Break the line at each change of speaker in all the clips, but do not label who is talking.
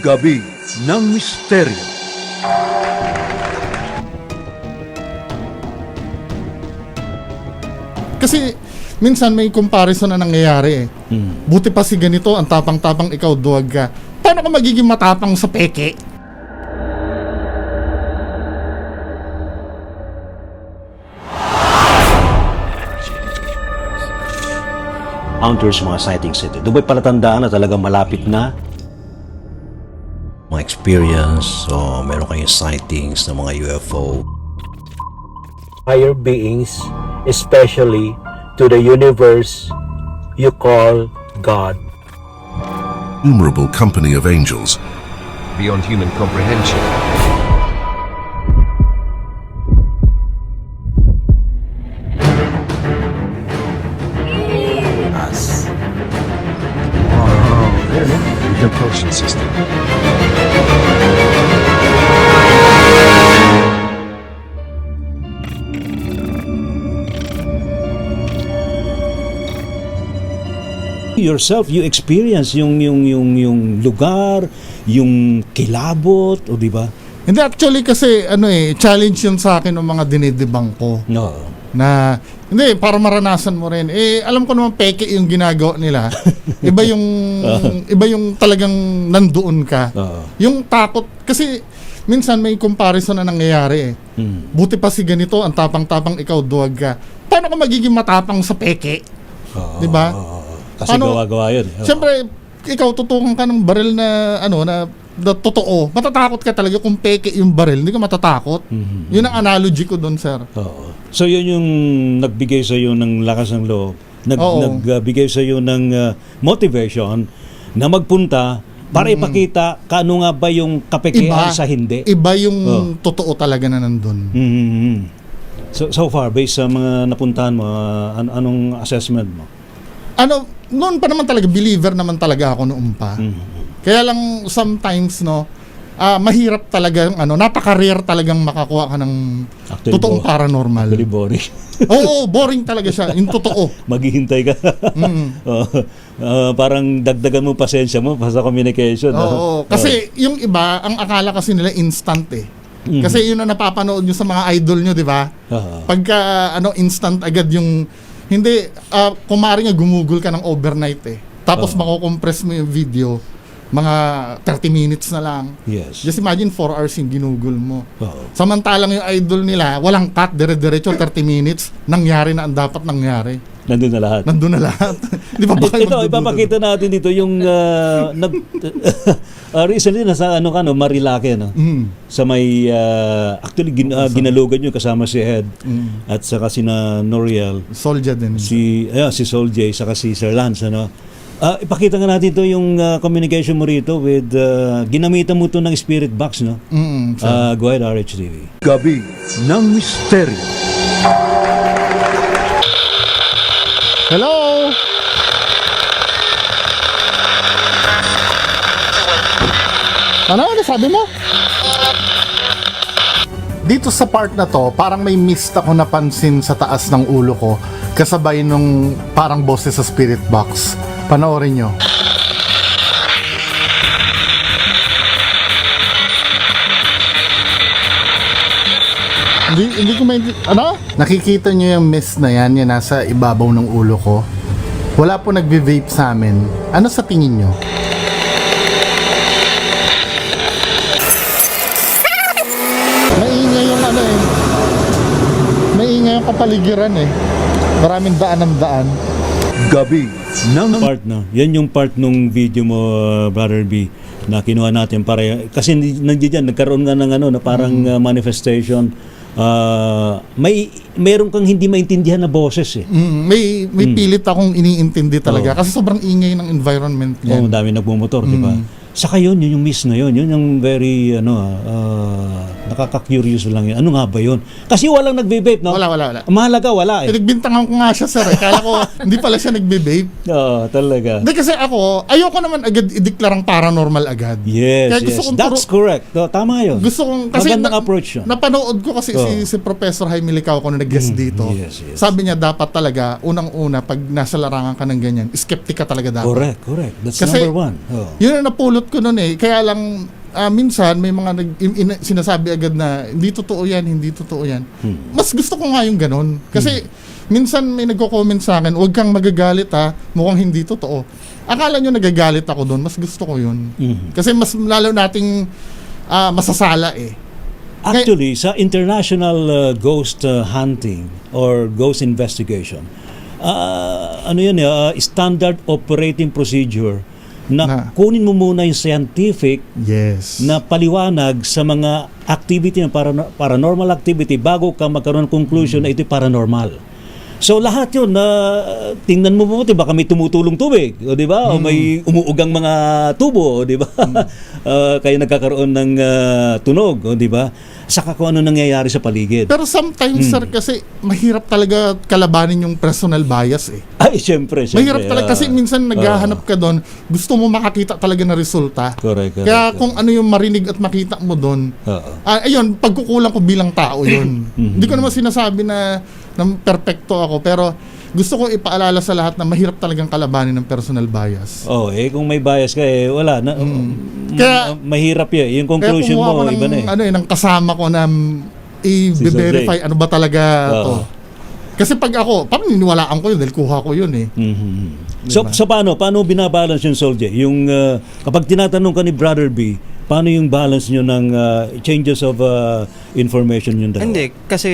Gabi ng Misteryo.
Kasi minsan may comparison na nangyayari eh. Buti pa si ganito, ang tapang-tapang, ikaw duwag ka. Paano ka magiging matapang sa peke?
Encounters mga sightings ito. Doon ba'y palatandaan na talagang malapit na mga experience o meron kayong sightings ng mga UFO?
Higher beings, especially to the universe you call God.
Innumerable company of angels,
beyond human comprehension. Us. Wow, really? Propulsion system.
Yourself, you experience yung lugar, yung kilabot, o di ba?
Hindi, actually kasi challenge yun sa akin ng mga dinidibang ko.
No.
Na hindi, para maranasan mo rin. Alam ko naman peke yung ginagawa nila. Iba yung talagang nandoon ka. Yung takot kasi minsan may comparison na nangyayari eh. Buti pa si ganito, ang tapang-tapang, ikaw duwag ka. Paano ka magiging matapang sa peke? Di ba?
Kasi gawa-gawa yun.
Siyempre, ikaw tutukan ka ng baril na na totoo. Matatakot ka talaga kung peke yung baril. Hindi ka matatakot. Yun ang analogy ko doon, sir.
So yun yung nagbigay sa iyo ng lakas ng loob. Nagbigay sa iyo ng motivation na magpunta para ipakita kaano nga ba yung kapekean sa hindi.
Iba yung totoo talaga na nandun.
So far, based sa mga napuntahan mo, anong assessment mo?
Noon pa naman talaga, believer naman talaga ako noon pa. Kaya lang sometimes mahirap talaga napaka-rare talagang makakuha ka ng
Actually,
totoong paranormal.
Actually boring.
Oo, boring talaga siya, yung totoo.
Maghihintay ka. Parang dagdagan mo pasensya mo sa communication.
Oo, kasi yung iba, ang akala kasi nila instant eh. Kasi yun na napapanood nyo sa mga idol nyo, di ba? Pagka instant agad yung hindi, kumari nga gumugol ka ng overnight eh. Tapos mako-compress mo yung video, mga 30 minutes na lang.
Yes.
Just imagine 4 hours yung ginugol mo. Samantalang yung idol nila, walang cut, dire-diretso 30 minutes, nangyari na ang dapat nangyari.
Nandun na lahat.
Di ba ba kayo
ito, ipapakita natin dito yung recently nasa Marilake sa may actually ginalugan yun kasama si Ed at saka si Noriel.
Soldier din.
Si Sol J saka si Sir Lance ipakita nga natin ito yung communication mo rito with ginamitan mo ito ng spirit box go ahead RHTV.
Gabi ng Misteryo.
Hello? Ano sabi mo? Dito sa part na to, parang may mist ako napansin sa taas ng ulo ko kasabay nung parang boses sa spirit box. Panoorin nyo. Hindi ko Nakikita nyo yung mist na yan nasa ibabaw ng ulo ko. Wala po nagbe-vape sa amin. Ano sa tingin nyo? Maingay yung maingay yung kapaligiran eh. Maraming daan ng daan.
Gabi ng
Part yan yung part nung video mo Brother B na kinuha natin para kasi nandiyan nagkaroon nga ng na parang manifestation. Mayroon kang hindi maintindihan na boses eh.
May pilit akong iniintindi talaga kasi sobrang ingay ng environment niya.
Dami nagmumotor, di ba? Saka yun yung miss na yun yung very Nakaka-curious lang yun. Ano nga ba yun? Kasi walang nagbe-vape, no?
Wala.
Mahalaga, wala eh.
Pinagbintangan ko nga siya, sir. Kala ko, hindi pala siya nagbe-vape.
Oo, talaga.
Hindi kasi ako, ayoko naman agad i-declare ang paranormal agad.
Yes,
Kaya gusto
yes.
kong
That's correct. No, tama yun.
Gusto kong, kasi
Magandang approach yun.
napanood ko kasi si Professor Jaime Licao ko na nag-guest dito.
yes, yes.
Sabi niya dapat talaga, unang-una, pag nasa larangan ka ng ganyan, skeptic ka talaga dapat.
Correct. That's
Kasi,
number one. Oh.
Yun ang napulot ko noon eh. Kaya lang, minsan may mga sinasabi agad na hindi totoo yan. Mas gusto ko nga yung ganun. Kasi minsan may nagko-comment sa akin, huwag kang magagalit ha, mukhang hindi totoo. Akala nyo nagagalit ako doon, mas gusto ko yun. Kasi mas lalo nating masasala eh.
Actually, sa international ghost hunting or ghost investigation, standard operating procedure na kunin mo muna yung scientific
Yes.
na paliwanag sa mga activity ng paranormal activity bago ka magkaroon ng conclusion na ito paranormal. So lahat yun na tingnan mo mabuti, baka may tumutulong tubig, o di ba? O may umuugang mga tubo, o di ba? Kaya nagkakaroon ng tunog, o di ba? Saka kung ano nangyayari sa paligid.
Pero sometimes, sir, kasi mahirap talaga kalabanin yung personal bias eh.
Ay, syempre.
Mahirap talaga kasi minsan naghahanap ka doon, gusto mo makakita talaga na resulta.
Correct.
Kaya kung ano yung marinig at makita mo doon, ayun, pagkukulang ko bilang tao yun. Hindi ko naman sinasabi na perfecto ako, pero gusto ko ipaalala sa lahat na mahirap talagang kalabanin ng personal bias.
Kung may bias ka wala na.
Kaya
mahirap 'yan. Yung conclusion
kaya
mo
ng,
iba na eh.
ng kasama ko na i-verify ano ba talaga to. Kasi pag ako, parang niniwalaan ko yun dahil kuha ko yun eh.
So paano binabalance yung Soldier? Yung kapag tinatanong ka ni Brother B, paano yung balance nyo ng changes of information yung dalawa?
Hindi, kasi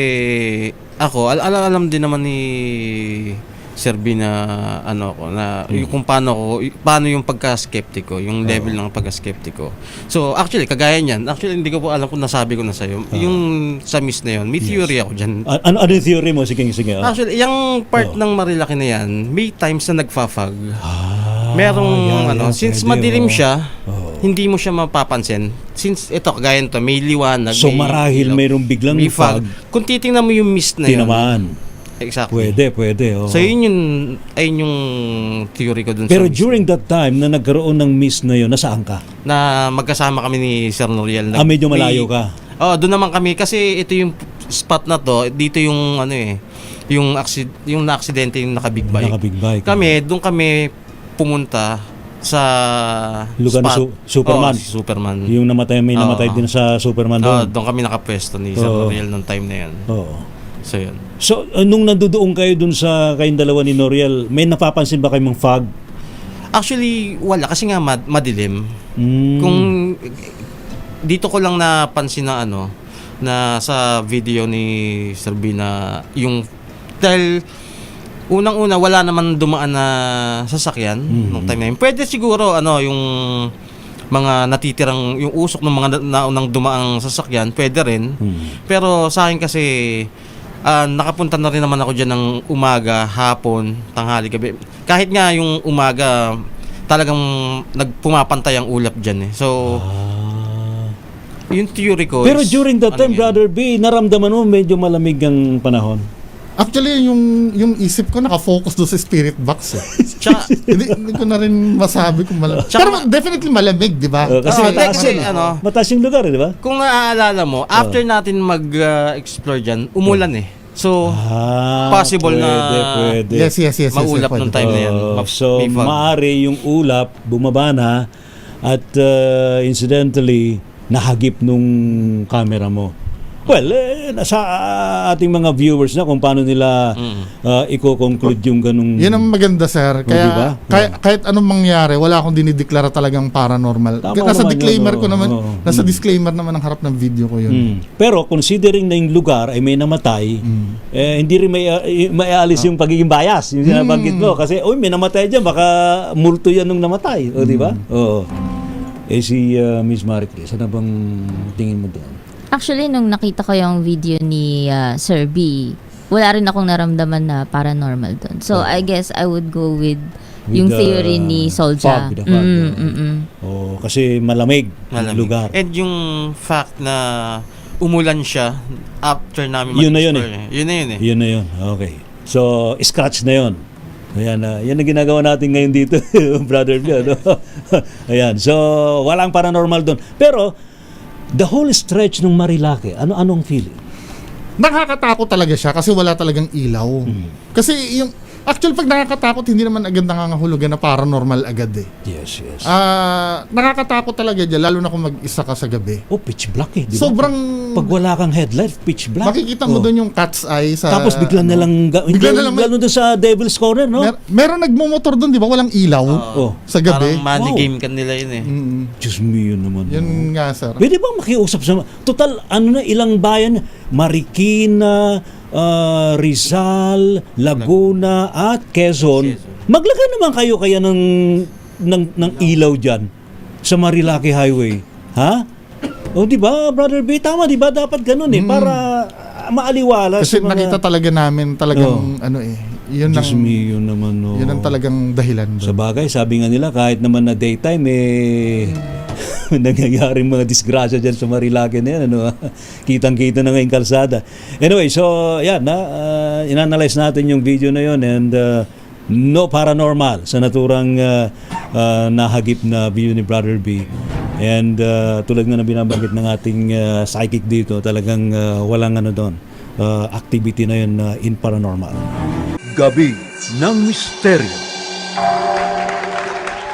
ako, alam din naman ni Sir B na yung kung paano yung pagka-skeptic ko, yung level ng pagka-skeptic ko. So, actually, kagaya niyan, hindi ko po alam kung nasabi ko na sa'yo, yung sa miss na yun, may theory ako dyan.
Ano yung theory mo? Sige.
Actually, yung part ng Marilaki na yan, may times na nagfa-fog. Merong since
pwede,
madilim siya, hindi mo siya mapapansin. Since ito kagaya nito, may liwanag.
So
may
marahil
ilaw,
mayroong biglang
may fog.
fog.
Kung titingnan mo yung mist na
Di
yun.
naman.
Exactly.
Pwede.
So yun yung theory ko dun
Pero
sa mist.
during that time na nagkaroon ng mist na yun, nasaan ka?
Na magkasama kami ni Sir Noriel.
Medyo malayo ka.
Doon naman kami kasi ito yung spot na to, dito yung yung na-aksidente yung naka-big bike.
Naka-big bike.
Doon kami pumunta sa
lugar
spot.
na Superman.
Superman.
Yung may namatay din sa Superman doon.
Doon kami nakapwesto ni Sir Noriel nung time na yan. So yun.
So nung nandoon kayo dun sa kayong dalawa ni Noriel, may napapansin ba kayong fog?
Actually, wala kasi nga madilim. Kung dito ko lang napansin na na sa video ni Sir B na yung dahil unang-una wala naman dumaan na sasakyan nung time na yun. Pwede siguro yung mga natitirang yung usok ng mga naunang dumaang sasakyan, pwede rin. Pero sa akin kasi nakapunta na rin naman ako diyan ng umaga, hapon, tanghali, gabi. Kahit nga yung umaga talagang nagpumapantay ang ulap diyan eh. So yung theory ko
Pero during that time, Brother B, naramdaman mo medyo malamig ang panahon?
Actually, yung isip ko nakafocus doon sa spirit box eh. hindi ko na rin masabi kung malamig. Pero definitely malamig, di ba?
Kasi mataas yung lugar, di ba?
Kung naaalala mo, after natin mag-explore dyan, umulan eh. So, possible
pwede.
Yes.
maulap nung time na yan.
So, maaari yung ulap, bumaba na, at incidentally, nahagip nung camera mo. Well, nasa ating mga viewers na kung paano nila i-conclude yung ganung...
Yan ang maganda, sir. Kaya
diba?
kahit anong mangyari, wala akong dinideklara talagang paranormal. Nasa disclaimer ko naman, nasa disclaimer naman ang harap ng video ko yun.
Pero considering na yung lugar ay may namatay, hindi rin may alis yung pagiging bias, yung sinabanggit mo. Kasi, may namatay dyan, baka multo yan nung namatay. O, di ba? Oo. Si Miss Maricris, ano bang tingin mo doon?
Actually, nung nakita ko yung video ni Sir B, wala rin akong naramdaman na paranormal doon. So, I guess I would go with yung theory ni Solja.
Kasi malamig lugar.
And yung fact na umulan siya after namin
Yun na yun
mag-explore. Yun na yun eh.
Yun na yun. Okay. So, scratch na yun. Ayan, yan ang ginagawa natin ngayon dito, brother Bio. No? Ayan, so walang paranormal doon. Pero, the whole stretch ng Marilake, anong feeling?
Nakakatakot talaga siya kasi wala talagang ilaw. Kasi yung actually pag nakakatakot hindi naman agad nangangahulugan na paranormal agad eh.
Yes, yes.
Nakakatakot talaga diyan lalo na kung mag-isa ka sa gabi.
Oh, pitch black eh. Di ba?
Sobrang
Pag wala kang headlight, pitch black.
makikita mo doon yung cat's eye sa
Tapos bigla na lang,
bigla na lang
lalo doon sa Devil's Corner, no?
meron nagmo-motor doon, di ba? Walang ilaw
Oh.
sa gabi.
Parang money
Wow.
game kan nila yun eh.
Diyos mo yun naman.
Yun nga, sir.
Pwede bang makiusap sa... Total, ilang bayan? Marikina, Rizal, Laguna, at Quezon. Maglagay naman kayo kaya ng ilaw dyan sa Marilake Highway. Ha? O di ba, Brother B? Tama, di ba? Dapat ganun eh. Para maaliwala
Kasi
sa mga...
nakita talaga namin talagang yun
Diyos
ang,
mo yun naman. No.
yun ang talagang dahilan
Sa
doon.
bagay, sabi nga nila, kahit naman na daytime, nangyayaring mga disgrasya dyan sa Marilake na yan. Ano? Kitang-kita na ngayong kalsada. Anyway, so, yan, inanalyze natin yung video na yun and no paranormal sa naturang nahagip na video ni Brother B. And tulad nga na binabanggit ng ating psychic dito, talagang walang doon, activity na yun in paranormal.
Gabi ng Misteryo.